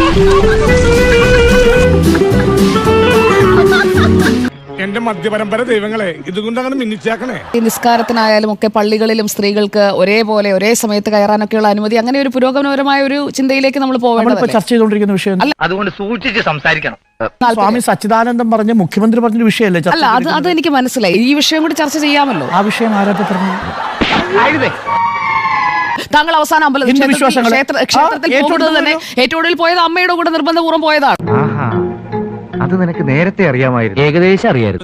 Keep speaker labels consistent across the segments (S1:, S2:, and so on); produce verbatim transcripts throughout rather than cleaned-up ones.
S1: എന്റെ മധ്യപരമ്പര ദൈവങ്ങളെ ഇതുകൊണ്ട് അങ്ങനെ മിന്നിച്ചാക്കണേ.
S2: ഈ നിസ്കാരത്തിനായാലും ഒക്കെ പള്ളികളിലും സ്ത്രീകൾക്ക് ഒരേപോലെ ഒരേ സമയത്ത് കയറാനൊക്കെയുള്ള അനുമതി, അങ്ങനെ ഒരു പുരോഗമനപരമായ ഒരു ചിന്തയിലേക്ക് നമ്മൾ പോകേണ്ടത്
S3: ചർച്ച ചെയ്തുകൊണ്ടിരിക്കുന്ന വിഷയം.
S4: അതുകൊണ്ട് സൂക്ഷിച്ച് സംസാരിക്കണം.
S3: സ്വാമി സച്ചിദാനന്ദം പറഞ്ഞ മുഖ്യമന്ത്രി പറഞ്ഞ വിഷയമല്ലേ?
S2: അല്ല, അത് അത് എനിക്ക് മനസ്സിലായി. ഈ വിഷയം കൂടി ചർച്ച ചെയ്യാമല്ലോ.
S3: ആ വിഷയം ആരാ പറഞ്ഞു?
S2: താങ്കൾ അവസാനം അമ്പലത്തിൽ ക്ഷേത്രത്തിൽ പോകുന്നത് തന്നെ ഏറ്റവും കൂടുതൽ പോയത് അമ്മയുടെ കൂടെ നിർബന്ധപൂർവ്വം പോയതാണ്.
S4: അത് നിനക്ക് നേരത്തെ അറിയാമായിരുന്നു. ഏകദേശം അറിയായിരുന്നു.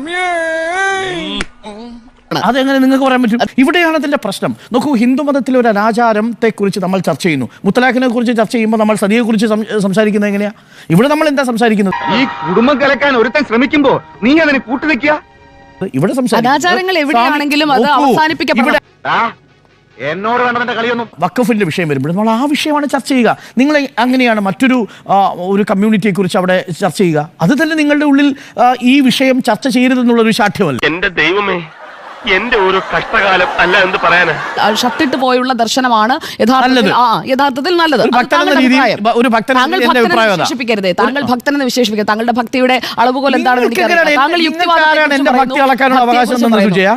S3: അതെങ്ങനെ നിങ്ങൾക്ക് പറയാൻ പറ്റും? ഇവിടെയാണ് അതിന്റെ പ്രശ്നം. നോക്കൂ, ഹിന്ദു മതത്തിലെ ഒരു അനാചാരത്തെ കുറിച്ച് നമ്മൾ ചർച്ച ചെയ്യുന്നു. മുത്തലാഖിനെ കുറിച്ച് ചർച്ച ചെയ്യുമ്പോൾ നമ്മൾ സതിയെ കുറിച്ച് സംസാരിക്കുന്നത് എങ്ങനെയാ? ഇവിടെ നമ്മൾ എന്താ സംസാരിക്കുന്നത്?
S4: ഈ കുടുംബം കലക്കാൻ ഒരുത്തൻ ശ്രമിക്കുമ്പോ നീ അതിന് കൂട്ടുനിൽക്കുക.
S3: ഇവിടെ
S2: അനാചാരങ്ങൾ എവിടെയാണെങ്കിലും അത് അവസാനിപ്പിക്കപ്പെടണം.
S4: എന്നോട് വേണ്ടതിന്റെ കളിയൊന്നും.
S3: വഖഫിന്റെ വിഷയം വരുമ്പോൾ നമ്മൾ ആ വിഷയമാണ് ചർച്ച ചെയ്യുക. നിങ്ങൾ അങ്ങനെയാണ് മറ്റൊരു ഒരു കമ്മ്യൂണിറ്റിയെ കുറിച്ച് അവിടെ ചർച്ച ചെയ്യുക. അത് തന്നെ നിങ്ങളുടെ ഉള്ളിൽ ഈ വിഷയം ചർച്ച ചെയ്യരുതെന്നുള്ളൊരു ശാഠ്യമല്ല.
S5: എന്റെ ദൈവമേ, എന്റെ ഒരു കഷ്ടകാലം അല്ല എന്ന് പറയാന്.
S2: ഷട്ടിട്ട് പോയുള്ള ദർശനമാണ് യഥാർത്ഥത്തിൽ നല്ലത്. വിശേഷിപ്പിക്കരുതേ, താങ്കൾ ഭക്തനെന്ന് വിശേഷിപ്പിക്കരുത്. താങ്കളുടെ ഭക്തിയുടെ അളവുകോൽ എന്താണെന്ന് എനിക്കറിയാം. താങ്കൾ യുക്തിവാദം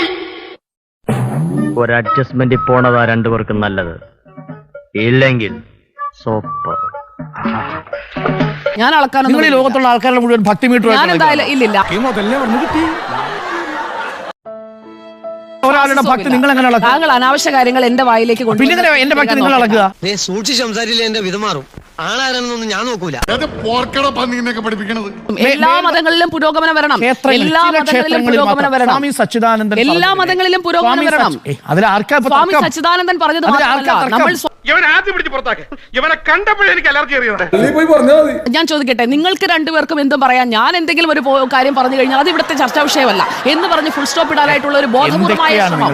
S4: ഒരു അഡ്ജസ്റ്റ്മെന്റ് പോണതാ രണ്ടുപേർക്കും നല്ലത്. ഇല്ലെങ്കിൽ സോപ്പ്.
S2: ഞാൻ അളക്കാൻ
S3: നിങ്ങൾ ഈ ലോകത്തുള്ള ആൾക്കാരുടെ മുഴുവൻ ഭക്തി മീറ്റർ
S2: ഞാൻ എന്തായാലും ഇല്ലില്ല.
S3: ഒരാളുടെ ഭക്തി നിങ്ങൾ എങ്ങനെ അളക്കുക?
S2: താങ്കൾ അനാവശ്യ കാര്യങ്ങൾ എന്റെ വായിലേക്ക് കൊണ്ട്
S3: പിന്നെ എന്റെ ഭക്തി നിങ്ങൾ അളക്കുക?
S6: സൂക്ഷിച്ച് സംസാരിച്ചില്ല എന്റെ വിധമാറും. ആളാരാണെന്നൊന്നും ഞാൻ നോക്കൂല.
S2: എല്ലാ മതങ്ങളിലും പുരോഗമനം വരണം. എല്ലാ മതങ്ങളിലും പുരോഗമനം വരണം.
S3: സ്വാമി സച്ചിദാനന്ദൻ
S2: എല്ലാ മതങ്ങളിലും പുരോഗമനം വരണം.
S3: അതിൽ ആർക്കാ
S2: സ്വാമി സച്ചിദാനന്ദൻ പറഞ്ഞത് നമ്മൾ
S5: ഇവനെ ആദ്യം പിടിച്ച് പുറത്താക്ക്. ഇവനെ കണ്ടപ്പോഴേ എനിക്ക് അലർജി അറിയുന്നത്.
S2: ഞാൻ ചോദിക്കട്ടെ, നിങ്ങൾക്ക് രണ്ടുപേർക്കും എന്തും പറയാം. ഞാൻ എന്തെങ്കിലും ഒരു കാര്യം പറഞ്ഞു കഴിഞ്ഞാൽ അത് ഇവിടുത്തെ ചർച്ചാ വിഷയമല്ല എന്ന് പറഞ്ഞ് ഫുൾ സ്റ്റോപ്പ് ഇടാനായിട്ടുള്ള ഒരു ബോധപൂർവമായ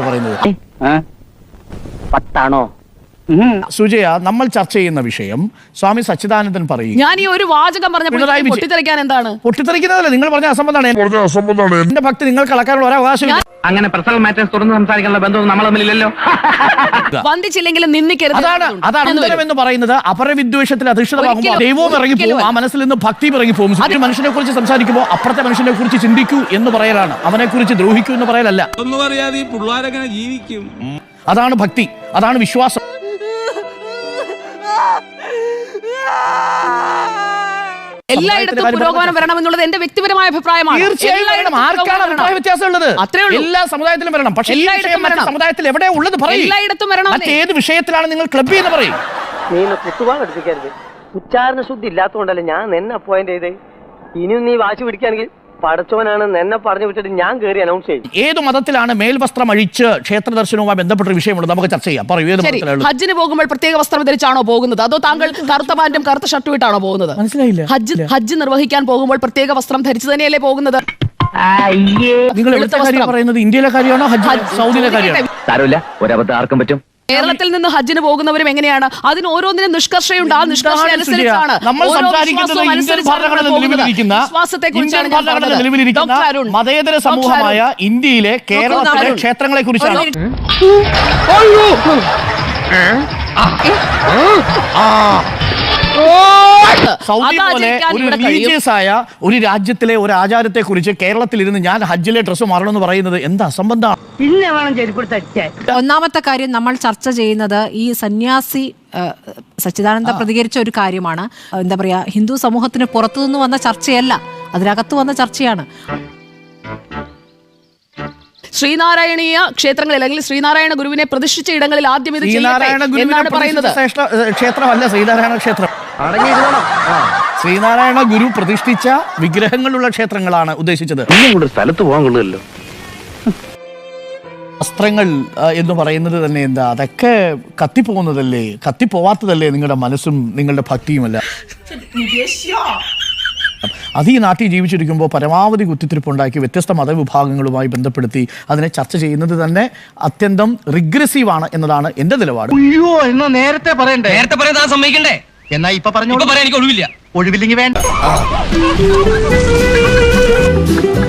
S4: പത്താണോ?
S3: സുജയ, നമ്മൾ ചർച്ച ചെയ്യുന്ന വിഷയം സ്വാമി സച്ചിദാനന്ദൻ പറയും.
S2: ഞാൻ ഈ ഒരു വാചകം പറഞ്ഞപ്പോൾ പൊട്ടിത്തെറിക്കാൻ എന്താണ്?
S3: പൊട്ടിത്തെറിക്കുന്നതല്ല, നിങ്ങൾ പറഞ്ഞ അസംബന്ധമാണ്. എന്റെ ഭക്തി നിങ്ങൾക്ക് അളക്കാനുള്ള ഒരു അവകാശം.
S4: അങ്ങനെ പേഴ്സണൽ മാറ്റേഴ്സ് തുറന്ന് സംസാരിക്കാനുള്ള ബന്ധം നമ്മൾ തമ്മിലില്ലല്ലോ.
S2: വന്ദിച്ചില്ലെങ്കിലും നിന്ദിക്കരുത്.
S3: അതാണ് അതാണ് അന്തരം എന്ന് പറയുന്നത്. അപരവിദ്വേഷത്തിൽ അധിഷ്ഠിതമാകുമ്പോൾ ദൈവവും ഇറങ്ങിപ്പോകും, ആ മനസ്സിൽ നിന്ന് ഭക്തിയും ഇറങ്ങിപ്പോകും. ഒരു മനുഷ്യനെ കുറിച്ച് സംസാരിക്കുമ്പോൾ അപ്പുറത്തെ മനുഷ്യനെ കുറിച്ച് ചിന്തിക്കൂ എന്ന് പറയലാണ്, അവനെ കുറിച്ച് ദ്രോഹിക്കൂ എന്ന് പറയലല്ല. അതാണ് ഭക്തി, അതാണ് വിശ്വാസം.
S2: എല്ലായിടത്തും പുരോഗമനം വരണമെന്നുള്ളത് എന്റെ വ്യക്തിപരമായ അഭിപ്രായമാണ്.
S3: തീർച്ചയായും ആർക്കാണ് അഭിപ്രായ വ്യത്യാസമുള്ളത്? എല്ലാ സമുദായത്തിലും വരണം. പക്ഷേ സമുദായത്തിൽ എവിടെ ഉള്ളത് പറയും.
S2: എല്ലായിടത്തും വരണം.
S3: മറ്റേത് വിഷയത്തിലാണ് നിങ്ങൾ ക്ലബ് എന്ന് പറയും?
S7: നീ കുത്തുവാൻ എടുപ്പിക്കരുത്. ഉച്ചാരണ ശുദ്ധി ഇല്ലാത്തതുകൊണ്ടല്ലേ ഞാൻ നിന്നെ അപ്പോയിന്റ് ചെയ്തേ. ഇനിയും നീ വാശി പിടിക്കുകയാണെങ്കിൽ പടച്ചോനാണ് എന്നെ പറഞ്ഞു വിട്ടിട്ട് ഞാൻ കയറി അനൗൺസ് ചെയ്യും.
S3: ഏത് മതത്തിലാണ് മേൽവസ്ത്രം അഴിച്ച് ക്ഷേത്ര ദർശനവുമായി ബന്ധപ്പെട്ട വിഷയമുണ്ട്, നമുക്ക് ചർച്ച ചെയ്യാം. പറയൂ, ഏത് മതത്തിലാണ്?
S2: ഹജ്ജിന് പോകുമ്പോൾ പ്രത്യേക വസ്ത്രം ധരിച്ചാണോ പോകുന്നത്, അതോ താങ്കൾ കറുത്ത പാന്റും കറുത്ത ഷർട്ടും ഇട്ടാണോ പോകുന്നത്?
S3: മനസ്സിലായില്ല.
S2: ഹജ്ജ് ഹജ്ജ് നിർവഹിക്കാൻ പോകുമ്പോൾ പ്രത്യേക വസ്ത്രം ധരിച്ചു തന്നെയല്ലേ പോകുന്നത്?
S3: നിങ്ങൾ എവിടുത്തെ കാര്യം പറയുന്നത്? ഇന്ത്യയിലെ കാര്യമാണോ ഹജ്ജ് സൗദിയിലെ കാര്യമാണോ?
S4: സാരമില്ല, ഒരബദ്ധം ആർക്കും പറ്റും.
S2: കേരളത്തിൽ നിന്ന് ഹജ്ജിന് പോകുന്നവരും എങ്ങനെയാണ്? അതിന് ഓരോന്നിനും നിഷ്കർഷയുണ്ട്. ആ നിഷ്കർഷ അനുസരിച്ചാണ്
S3: മതേതര സമൂഹമായ ഇന്ത്യയിലെ കേരളത്തിലെ ക്ഷേത്രങ്ങളെ കുറിച്ചാണ്. സൗദി പോലെ ഒരു റിലീജിയസ് ആയ ഒരു രാജ്യത്തിലെ ഒരു ആചാരത്തെ കുറിച്ച് കേരളത്തിൽ ഇരുന്ന് ഞാൻ ഹജ്ജിലെ ഡ്രസ്സ് മാറണമെന്ന് പറയുന്നത് എന്താ സംബന്ധമാണ്?
S8: ഒന്നാമത്തെ കാര്യം നമ്മൾ ചർച്ച ചെയ്യുന്നത് ഈ സന്യാസി സച്ചിദാനന്ദ പ്രതികരിച്ച ഒരു കാര്യമാണ്. എന്താ പറയാ, ഹിന്ദു സമൂഹത്തിന് പുറത്തുനിന്ന് വന്ന ചർച്ചയല്ല, അതിനകത്ത് വന്ന ചർച്ചയാണ്.
S2: ശ്രീനാരായണീയ ക്ഷേത്രങ്ങളിൽ അല്ലെങ്കിൽ ശ്രീനാരായണ ഗുരുവിനെ പ്രതിഷ്ഠിച്ച ഇടങ്ങളിൽ ആദ്യം ഇത് എന്നാണ് പറയുന്നത്.
S3: ക്ഷേത്രമല്ല ശ്രീനാരായണ ക്ഷേത്രം. ശ്രീനാരായണ ഗുരു പ്രതിഷ്ഠിച്ച വിഗ്രഹങ്ങളുള്ള ക്ഷേത്രങ്ങളാണ് ഉദ്ദേശിച്ചത്.
S5: സ്ഥലത്ത് പോകാൻ കൊള്ളുമല്ലോ.
S3: വസ്ത്രങ്ങൾ എന്ന് പറയുന്നത് തന്നെ എന്താ, അതൊക്കെ കത്തിപ്പോകുന്നതല്ലേ, കത്തിപ്പോവാത്തതല്ലേ നിങ്ങളുടെ മനസ്സും നിങ്ങളുടെ ഭക്തിയുമല്ല. അത് ഈ നാട്ടിൽ ജീവിച്ചിരിക്കുമ്പോൾ പരമാവധി കുത്തിത്തിരിപ്പുണ്ടാക്കി വ്യത്യസ്ത മതവിഭാഗങ്ങളുമായി ബന്ധപ്പെടുത്തി അതിനെ ചർച്ച ചെയ്യുന്നത് തന്നെ അത്യന്തം റിഗ്രസീവാണ് എന്നതാണ് എന്റെ നിലപാട്.
S6: അയ്യോ, എന്നാ നേരത്തെ പറയണ്ടേ? നേരത്തെ പറയാൻ സമ്മതിക്കണ്ടേ? എന്നാ ഇപ്പൊ പറഞ്ഞു പറയാൻ എനിക്ക് ഒഴിവില്ല. ഒഴിവില്ലെങ്കിൽ വേണ്ട.